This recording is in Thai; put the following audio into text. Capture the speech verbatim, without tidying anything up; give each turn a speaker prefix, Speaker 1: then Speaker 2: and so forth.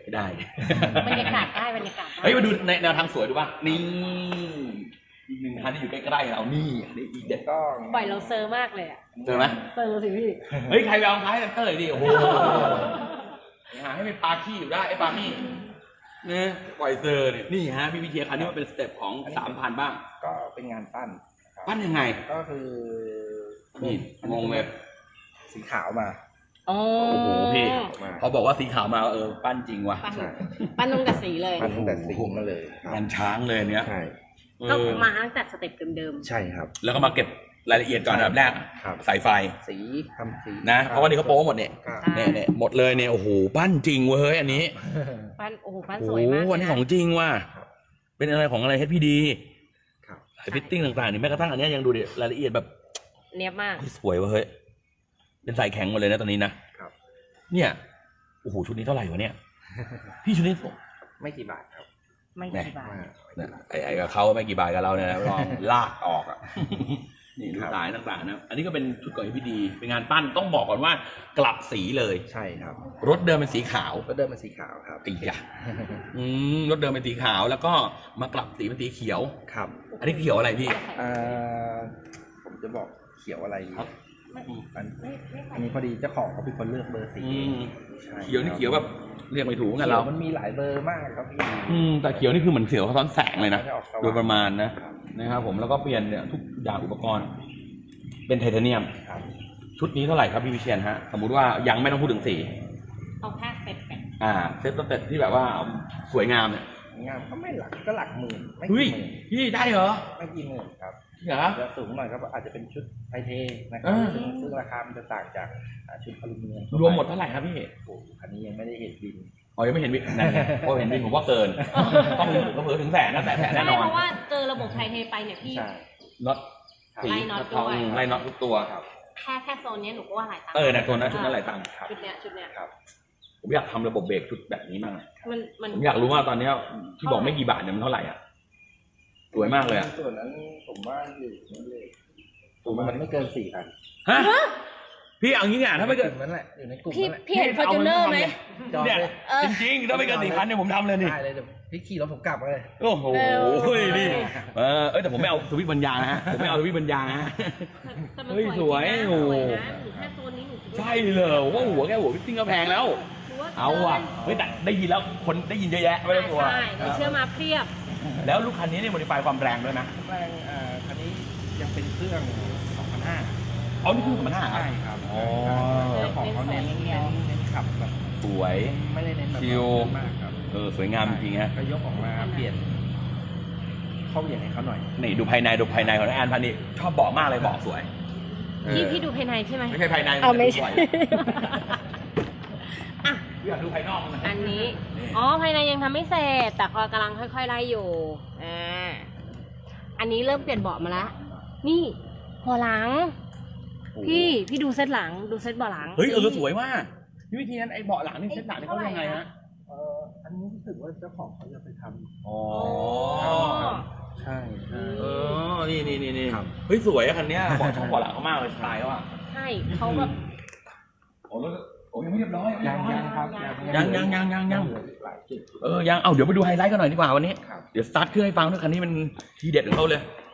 Speaker 1: ได้
Speaker 2: บรรยากาศได้บรรยากาศ
Speaker 1: เฮ้ยมาดูในแนวทางสวยดูป่ะนี่อีกหนึ่งคันที่อยู่ใกล้ๆเรานี่นี่อีกเด็ดก็
Speaker 2: ปล่อยเราเซอร์มากเลยอ่ะ
Speaker 1: เจอไหม
Speaker 2: เซอร์สิพี่
Speaker 1: เฮ้ยใครไปเอาท้ายกันเตอร์ดิโอ้โหหาให้เป็นปลาขี้อยู่ได้ไอ้ปลาขี้เนี่ยปล่อยเซอร์เนี่ยนี่ฮะพี่วิเชียรคันนี้มันเป็นสเต็ปของสามพันบ้าง
Speaker 3: ก็เป็นงานปั้น
Speaker 1: ปั้นยังไง
Speaker 3: ก็คือ
Speaker 1: นี่งงเลย
Speaker 3: สีขาวมา
Speaker 2: โอ้
Speaker 1: โหพี่เขาบอกว่าสีขาวมาเออปั้นจริงว่ะ
Speaker 2: ปั้นตั้งแต่สีเลย
Speaker 3: ปั้นตั้งแต่สีมาเลย
Speaker 1: งานช้างเลยเนี้ย
Speaker 3: ใช่
Speaker 2: ก็มาตั้งแต่สเต็ปเดิม
Speaker 3: ๆใช่ครับ
Speaker 1: แล้วก็มาเก็บรายละเอียดก่อนอันดับแรกใส่ไฟ
Speaker 3: สีทำสี
Speaker 1: นะเพราะว่านี่เขาโป๊หมดเนี่ยเนี่ยเนี่ยหมดเลยเนี่ยโอ้โหปั้นจริงเว้ยอันนี้
Speaker 2: ปั้นโอ้โหปั้นสวยมาก
Speaker 1: วันนี้ของจริงว่ะเป็นอะไรของอะไร เอช พี ดีไอฟิตติ้งต่างๆนี่แม้กระทั่งอันนี้ยังดูดิรายละเอียดแบบ
Speaker 2: เนียบมาก
Speaker 1: สวยเว้ยเฮ้ยเป็นสายแข็งหมดเลยนะตอนนี้นะเนี่ยโอ้โหชุดนี้เท่าไหร่วะเนี่ยพี่ชุดนี้
Speaker 3: ไม่กี่บาทครับ
Speaker 2: ไม่กี่บาท
Speaker 1: ไอ้ไอ้กับเขาไม่กี่บาทกับเราเนี่ยลองลากออกอ่ะนี่ดูสายต่างๆนะอันนี้ก็เป็นชุดก่อนพี่ดีเป็นงานปั้นต้องบอกก่อนว่ากลับสีเลย
Speaker 3: ใช่ครับ
Speaker 1: รถเดิมเป็นสีขาว
Speaker 3: รถเดิมเป็นสีขาวครับ
Speaker 1: ตีอ่ะอืมรถเดิมเป็นสีขาวแล้วก็มากลับสีเป็นสีเขียว
Speaker 3: ครับ
Speaker 1: อันนี้เขียวอะไรพี่
Speaker 3: อ่าผมจะบอกเขียวอะไรครับอันนี้พอดีเจ้าของเขาเป็นคนเลือกเบอร์สี
Speaker 1: เขียวนี่เขียวแบบเรียกไม่ถูกกันเรา
Speaker 3: มันมีหลายเบอร์มากครับพี่
Speaker 1: อืมแต่เขียวนี่คือเหมือนเขียวซ้อนแสงเลยนะโดยประมาณนะนะครับผมแล้วก็เปลี่ยนเนี่ยทุกอย่างอุปกรณ์เป็นไทเทเนียมชุดนี้เท่าไหร่ครับพี่วิเชียรฮะสมมุติว่ายังไม่ต้องพูดถึงสี
Speaker 2: เอาแค่เซ็ตกัน
Speaker 1: อ่าเซ็ตเซ็ตที่แบบว่าสวยงามเนี่ย
Speaker 3: งามก็ไม่หลักก็หลักหมื่น
Speaker 1: ไม่กี่หมื่นพี่ได้เหรอ
Speaker 3: ไม่กี่หมื่นครับ
Speaker 1: เหรอ
Speaker 3: จะสูงหน่อยก็อาจจะเป็นชุดไทเทนะครับซึ่งซึ่งราคามันจะต่างจากชุดอลูมิเนียม
Speaker 1: รวมหมดเท่าไหร่ครับพี่
Speaker 3: โอ้อันนี้ยังไม่ได้เห็นบิน
Speaker 1: อ๋อยังไม่เห็นบินนั่นไงพอเห็นบินผมว่าเกินต้องถึงก็เพิ่มถึงแสนนะแต่แสนแน่นอน
Speaker 2: เพราะว่าเจอระบบไทเทไปเนี่ยพี่
Speaker 1: น็อต
Speaker 2: ไล่น็อตด้วย
Speaker 1: ไล่น็อตทุกตัว
Speaker 3: ครับ
Speaker 2: แค่แค่โซนนี้หนูก็ว่าหลายตังค์
Speaker 1: เออนะโซนนั้นชุดนั้นหลายตังค์
Speaker 2: ชุดเนี้ยชุดเนี้ย
Speaker 3: ครับ
Speaker 1: ผมอยากทำระบบเบรกชุดแบบนี้มาก
Speaker 2: มันมัน
Speaker 1: ผมอยากรู้ว่าตอนนี้ที่บอกไม่กี่บาทเนี่ยมันเท่าไหร่อ่ะสวยมากเลยอ่ะ
Speaker 3: ส่วนนั้นผมว่าอยู่นั่นเลยผมว่ามันไม่เกินสี่พัน
Speaker 1: ฮะพี่เอางี้เนี่ยถ้าไม่เกิน
Speaker 3: นั่นแหละอยู่ในกลุ่ม
Speaker 2: พี่พี่เห็นฟอร์จูเนอร์ไหม
Speaker 1: เนี่ยจริงๆถ้าไม่เกินสี่พันเนี่ยผมทำเลยนี่
Speaker 3: ได้เลยพี่ขี่รถผมกลับเลย
Speaker 1: โอ้โหนี่เออเอ้ยแต่ผมไม่เอาสวิตช์บรรยางนะฮะผมไม่เอาสวิตช์บรรยางนะเฮ้ยสวยโอ้ใช่เลยว่าหัวแกหัวพี่ติ้งก็แพงแล้วเอาอ่ะเฮ้ยแต่ได้ยินแล้วคนได้ยินเยอะแยะไม่ได้ตัว
Speaker 2: ใช่เชื่อมาเพียบ
Speaker 1: แล้วลูกคันนี้เนี่ยโมดิฟายความแรงด้วยนะ
Speaker 3: แรงอ่าคันนี้ยังเป็นเครื่องสองพันห้า
Speaker 1: อ๋อนี่คือสองพันห้า
Speaker 3: ใช่ครับอ๋อของเขาเน้นเน้นเน้นขับแบบ
Speaker 1: สวย
Speaker 3: ไม่ได้เน้นแบบ
Speaker 1: ชิล
Speaker 3: มากครับ
Speaker 1: เออสวยงามจริงฮะ
Speaker 3: ก็ยกออกมาเปลี่ยนเข้าอย่างให้เขาหน่อย
Speaker 1: นี่ดูภายในดูภายในของแอนพันนี่ชอบเบาะมากเลยเบาะสวย
Speaker 2: พี่พี่ดูภายในใช่ไหม
Speaker 1: ไม่ใช่ภายใน
Speaker 2: เอาไม่ใช่
Speaker 1: อ่ะอยากดูภายนอก
Speaker 2: อันนี้อ๋อภายในยังทำไม่เสร็จแต่ก็กำลังค่อยๆไล่อยู่อ่าอันนี้เริ่มเปลี่ยนเบาะมาแล้วนี่หัวหลังพี่พี่ดูเซตหลังดูเซตเบาะหลัง
Speaker 1: เฮ้ยเออสวยมากวิธีนั้นไอ้เบาะหลังนี่เซตหลังนี่เขายังไงฮะ
Speaker 3: เอออันนี้รู้สึกว่าเจ้าของเขาจะไปทำ
Speaker 1: อ๋อ
Speaker 3: ใช่ใช่
Speaker 1: เออนี่นี่นี่นี่เฮ้ยสวยอะคันเนี้ยเบาะช่องเบาะหลังเขามากเลยสไตล์เขาอะ
Speaker 2: ใช่เขาแบบ
Speaker 1: โอ้แล้วโอ้ยังไม่เรียบร้อย
Speaker 3: ยังยังครับ
Speaker 1: ยังยังยังยังยังเออยังเอาเดี๋ยวไปดูไฮไลท์กันหน่อยดีกว่าวันนี้เดี๋ยวสตาร์ทเครื่องให้ฟังด้วยคันนี้มันทีเด็ดของเขาเลย